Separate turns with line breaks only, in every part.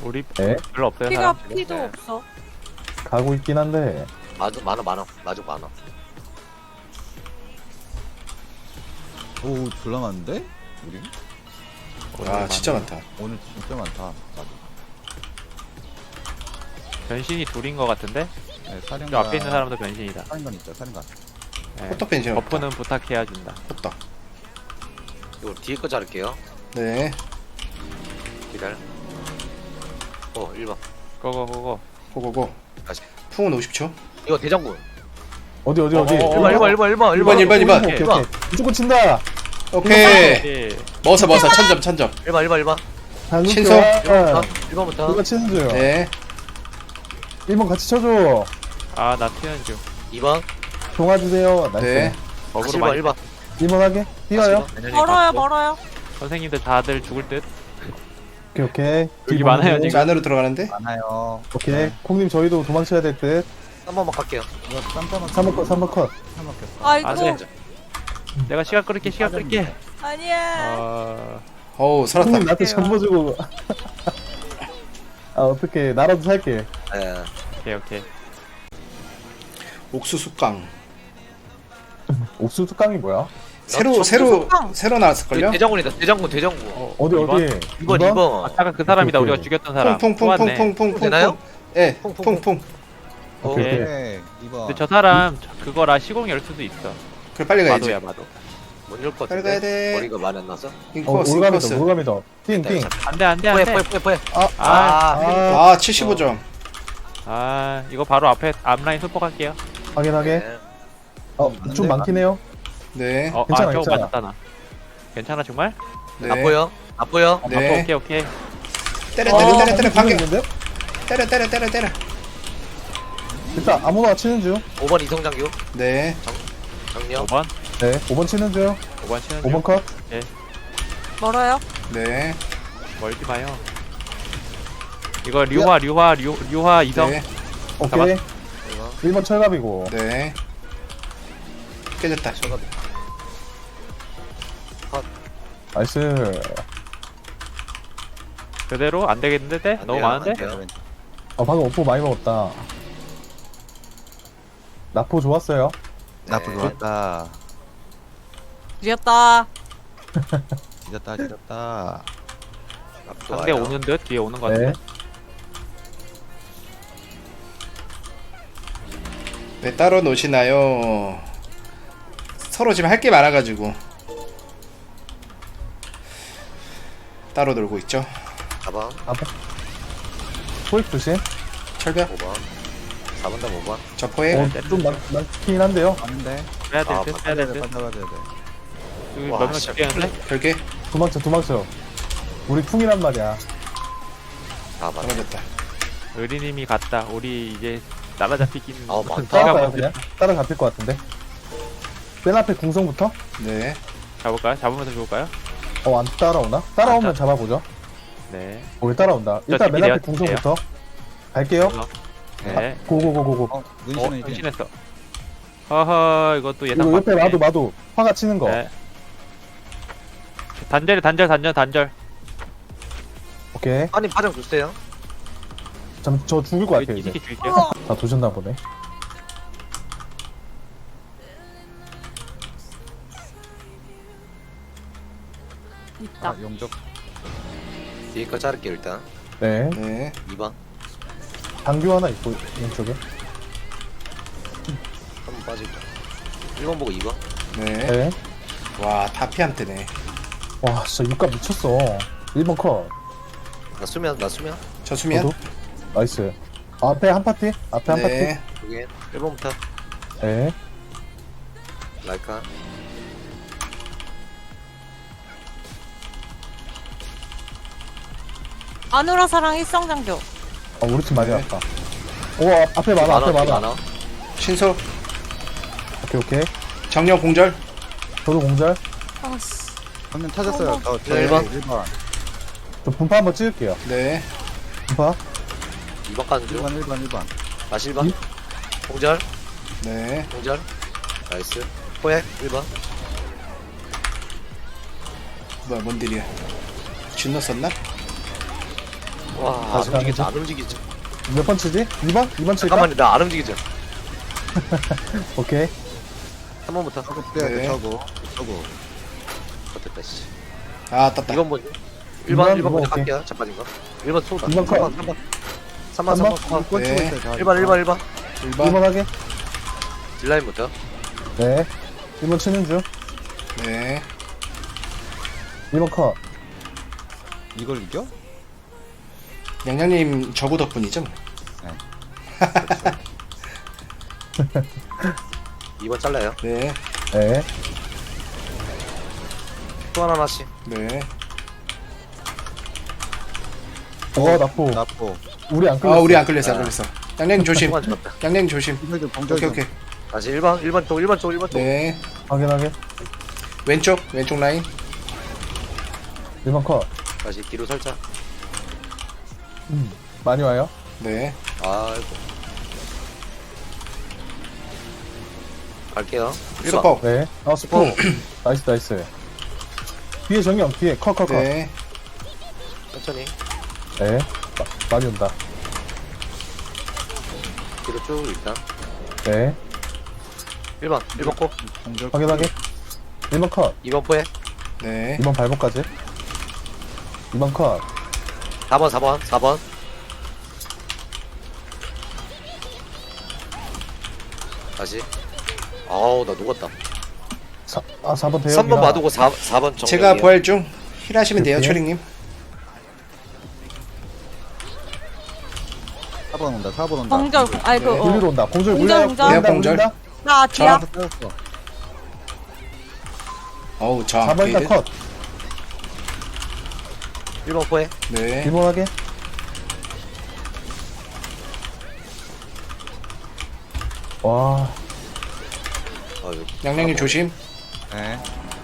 우리
네.
별로 없어요.
피가
사람.
피도
네.
없어.
가고 있긴 한데
많아 마족 많아.
오 졸라 많은데? 우리?
와 진짜 많다.
오늘 진짜 많다. 맞아.
변신이 둘인 것 같은데?
네, 사령관.
저 앞에 있는 사람도 변신이다.
사령관 있죠, 사령관.
네.
호떡 벤신 없다.
버프는 부탁해야 준다.
호떡.
이거 뒤에 거 자를게요.
네.
기다려. 1번.
고고고고.
고고고.
다시.
풍은 50초.
이거 대장군.
어디
1번.
1번.
오케이 무조건 친다.
오케이.
예.
먹었어. 천점.
1번.
신속.
1번부터.
누가 치는 줘요.
네.
1번 같이 쳐줘.
아나 튀는 중.
2번.
동화 주세요. 나이스.
네.
버그로 많이.
1번.
1번 하게. 뛰어요.
멀어요.
선생님들 다들 죽을 듯.
오케이.
여기 많아요, 지금.
안으로 들어가는데.
많아요.
오케이. 콩님 저희도 도망쳐야 될 듯.
3번만 갈게요.
이거 깜짝만
3번 컷.
아이고.
안 돼. 내가 시간 끌게.
아니야.
어우 살았다.
콩님 나한테 전보주고. 아 어떻게 나라도 살게.
예.
오케이.
옥수수깡.
옥수수 깡이 뭐야?
새로 나왔을걸요?
대장군이다. 대장군.
어디?
2번.
아까 그 사람이다.
오케이,
우리가 죽였던 사람.
퐁퐁퐁퐁퐁퐁.
되나요?
예.
퐁퐁.
퐁퐁.
오케이.
네, 2번.
근데 저 사람 그거라 시공 열 수도 있어.
그래 빨리 가야지.
마도.
못열것
빨리
같은데.
가야 돼.
머리가 많이 안 나서.
인코스.
올가미더. 띵.
안돼.
포에.
아 75점.
아 이거 바로 앞에 앞라인 소폭할게요.
확인하게. 좀 많긴 해요.
네.
괜찮아,
저거
괜찮아.
맞았다 나. 괜찮아 정말?
네.
안 보여?
네.
오케이.
때려 반격.
있는데?
때려.
일단 아무나 치는 중.
5번 이성장교.
네.
정령.
5번.
네. 5번 치는 중.
5번 치는 중.
5번 컷.
멀어요.
네.
멀지 마요. 이거 류화 이성.
네.
오케이. 1번 철갑이고.
네. 깨졌다.
나이스.
그대로 안 되겠는데? 때? 너무 많은데?
방금 오포 많이 먹었다. 나포 좋았어요.
나쁘 좋았다.
뒤였다.
지렸다.
상대 오는 듯? 뒤에 오는 거
네.
같은데?
왜 따로 노시나요? 서로 지금 할 게 많아가지고 따로 놀고 있죠.
4번.
포획 조심.
철벽.
5번. 4번 다 5번.
저 포획.
좀 많긴 한데요.
아는데.
빼야 될 듯? 빼야 될 듯?
받아야 돼.
여기
와,
몇명
진짜.
죽겠는데?
별개.
도망쳐. 우리 풍이란 말이야.
4번.
떨어졌다.
의리님이 갔다. 우리 이제 날아잡히긴.
많다.
따라가요 그냥. 따라잡힐 것 같은데. 맨 앞에 궁성부터.
네.
잡을까요? 잡으면서 좋을까요?
안 따라오나? 따라오면 잡아보죠.
네.
왜 따라온다. 일단 맨 앞에
TP 돼요,
궁성부터. 갈게요.
네.
고고고고고.
문신은 이제
변신했어. 허허, 이것도 예상
이거 옆에
밖이네.
마도 화가 치는 거.
네. 단절.
오케이.
아니 파장 주세요.
저 죽을 것 같아요 이제.
이렇게 줄게요.
다 도셨나 보네.
있다.
용적.
뒤에 거 자를게 일단.
네.
네.
2번.
장교 하나 있고 왼쪽에.
한번 빠지고. 1번 보고 2번.
네.
네.
와 다피한테네.
와 진짜 육값 미쳤어. 1번 컷.
나 수면.
저 수면.
저도. 나이스. 앞에 한 파티. 앞에 한
네.
여기 1번부터.
파티. 네.
라이카.
아누라사랑 일성장교.
우리 팀 많이
네.
왔다. 앞에 많아.
신속.
오케이.
정령 공절.
저도 공절.
아씨.
한명 찾았어요. 저
네.
1번.
1번.
저 분파 한번 찍을게요.
네.
분파.
2번 가는 중.
1번.
다시 1번. 공절.
네.
공절. 나이스. 포획 1번.
뭐야 뭔 딜이야. 진노 썼나?
와,
다시
안 움직이지,
가는
안 움직이지.
몇 번 치지? 2번? 2번 칠까?
잠깐만요, 나 안 움직이죠.
오케이.
3번부터.
저거 빼야 돼
네.
저거
어땠다, 씨.
아 떴다.
2번 먼저. 1번,
이번,
1번 먼저
오케이.
갈게요. 자빠진 거. 1번 쏘다.
2번 컷.
3번. 3번.
꽂히고
네.
있어요
1번, 1번.
1번
1번.
하게.
딜라인부터.
네. 1번 치는 중.
네.
2번 컷.
이걸 이겨?
양양님 저구 덕분이죠. 뭐.
2번 잘라요.
네.
네.
또 하나씩.
네.
나포.
나포
우리 안
아
끌렸어.
우리 안 끌렸어 안 끌렸어. 양양님 조심.
2번 죽었다.
양양님 조심.
이걸 좀 공절
오케이
좀
오케이.
다시 1번 쪽, 1번 쪽, 1번 쪽.
네.
확인하게.
왼쪽 라인.
1번 컷.
다시 뒤로 살짝.
많이 와요.
네.
아이고. 갈게요. 1번.
수법.
네. 스포. 나이스. 뒤에 정령, 뒤에 컷.
네.
천천히.
네. 많이 온다.
뒤로 쭉 일단.
네.
1번 꼭.
공절
확인하게. 1번 컷.
2번 포에.
네.
2번 발목까지. 2번 컷.
4번. 다시. 아우, 나 녹았다.
4번 대역이라.
3번 마두고 4번 정면.
제가 부활 중 힐하시면 돼요,
오케이.
초링님.
4번 온다 4번 온다
공절, 아이고,
네.
여기로 온다. 공절
공절,
물려요.
공절.
물린다,
네, 공절.
물린다.
나 뒤야.
터졌어
어우 저
4번
앞에.
일단 컷.
1번 포에.
네.
1번 하게. 와.
아유.
양양님 조심.
네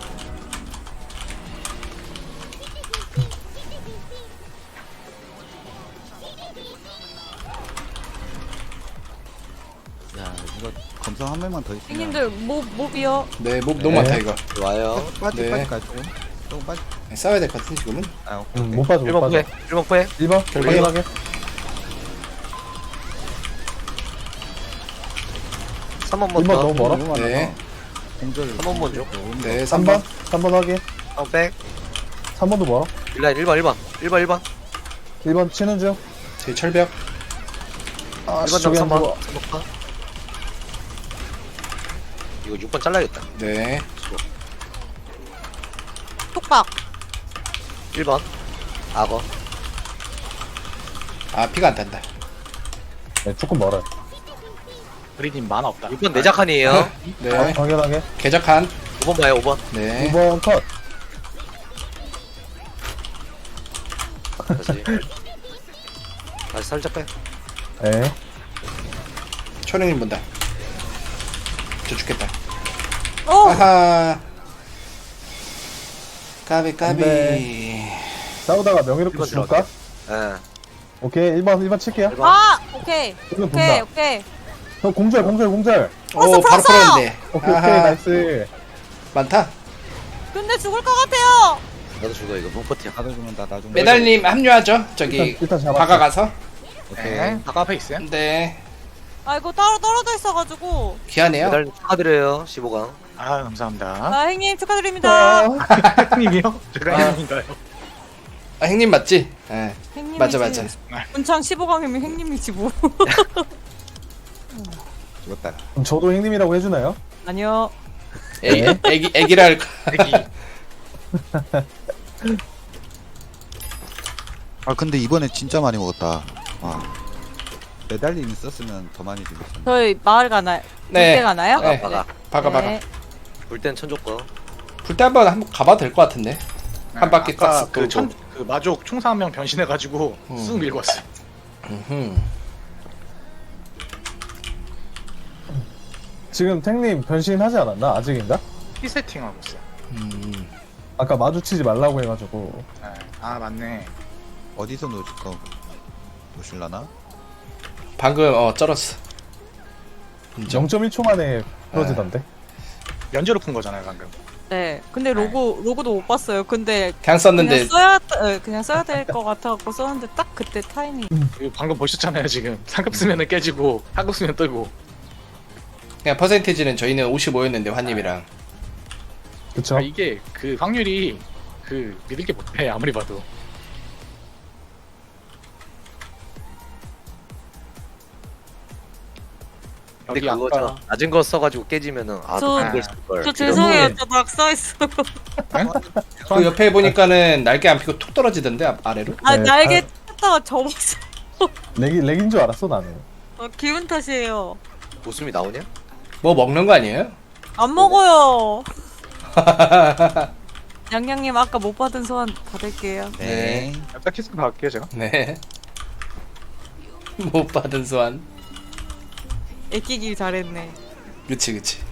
야, 이거 검성 한 명만 더 있으면
형님들, 몹이요.
네. 몹 너무
네.
많다 이거.
좋아요.
빠지
네.
빠질까요 조금 빠지
네, 싸워야 될 것 같은 지금은.
아 오케이
못 빠져, 못
1번
빠져.
포에. 1번 포에.
1번
결국에.
확인하게.
3번
1번
먼저.
너무 멀어.
너무
네.
많아서 공절
3번 먼저.
네.
3번.
3번.
3번 확인.
3번 백.
3번도 멀어.
딜라인 1번.
1번 치는 중.
제 철벽.
아,
1번
저기 안
당
들어와.
3번 파. 이거 6번 잘라야겠다.
네.
톡박.
1번. 악어.
아 피가 안 탄다.
네, 조금 멀어요.
그리님 만화 없다.
6번 내작한이에요.
네.
확인하게.
개적한.
5번 봐요, 5번.
네.
2번 컷.
다시 살짝 빼.
네.
초링님 본다. 저 죽겠다.
오!
아하. 까비.
네. 싸우다가 명예롭게
1번
죽을까?
예.
오케이. 1번 칠게요.
1번.
아! 오케이.
이거
오케이,
본다.
오케이.
저 공절.
오 바로 풀었는데.
오케이,
아하.
나이스.
많다.
근데 죽을 것 같아요.
나도 죽어, 이거. 못 버텨.
다들 죽는다 나중
메달님 합류하죠. 저기
일단 잡았어.
바가 가서.
오케이
네. 아까 앞에 있어요?
네.
아, 이거 따로 떨어져 있어가지고.
귀하네요.
메달 축하드려요, 15강.
아 감사합니다.
아, 형님 축하드립니다.
형님이요? 제가 형님인가요?
아 형님 맞지? 예.
형님이지.
맞아.
문창 15강이면 형님이지 뭐.
죽었다
그럼 저도 형님이라고 해주나요?
아니요.
애기라 할 거.
애기.
아 근데 이번에 진짜 많이 먹었다 와 메달림 있었으면 더 많이 죽였어
저희 마을 가나요?
네.
때 가나요?
네.
바가.
바가.
네.
불땐 천조거.
불때 한번 가봐도 될 것 같은데. 한 바퀴 딱
아까
쓱
그
돌고.
그 마족 총사 한 명 변신해가지고 쑥 밀고 왔어요.
지금 탱님 변신하지 않았나? 아직인가?
피 세팅하고 있어요.
아까 마주치지 말라고 해가지고.
네. 아 맞네.
어디서 놓으실라나?
방금 쩔었어. 인정.
0.1초 만에 풀어지던데.
면제로 푼 거잖아요 방금.
네. 근데 로고도 못 봤어요. 근데
그냥 썼는데
그냥 써야 그냥 써야 될 것 같아갖고 썼는데 딱 그때 타이밍.
이거 방금 보셨잖아요 지금. 상급 쓰면은 깨지고 하급 쓰면 뜨고.
그냥 퍼센티지는 저희는 55였는데 환님이랑
그쵸?
아, 이게 그 확률이 그 믿을 게 못해 아무리 봐도.
근데
여기
그거죠.
아까
낮은 거 써가지고 깨지면은
저-
이걸 쓸걸.
저 죄송해요. 저 낙서했어요.
그 옆에 보니까는 날개 안 피고 툭 떨어지던데 아래로.
아
네,
날개 탔다가 접었어.
렉인 줄 알았어 나는.
기분 탓이에요.
웃음이 나오냐?
뭐 먹는 거 아니에요?
안 먹어요. 양양님 아까 못 받은 소원 받을게요.
네.
약간 키스 받을게요 제가.
네. 못 받은 소환.
애끼길 잘했네.
그치 그치.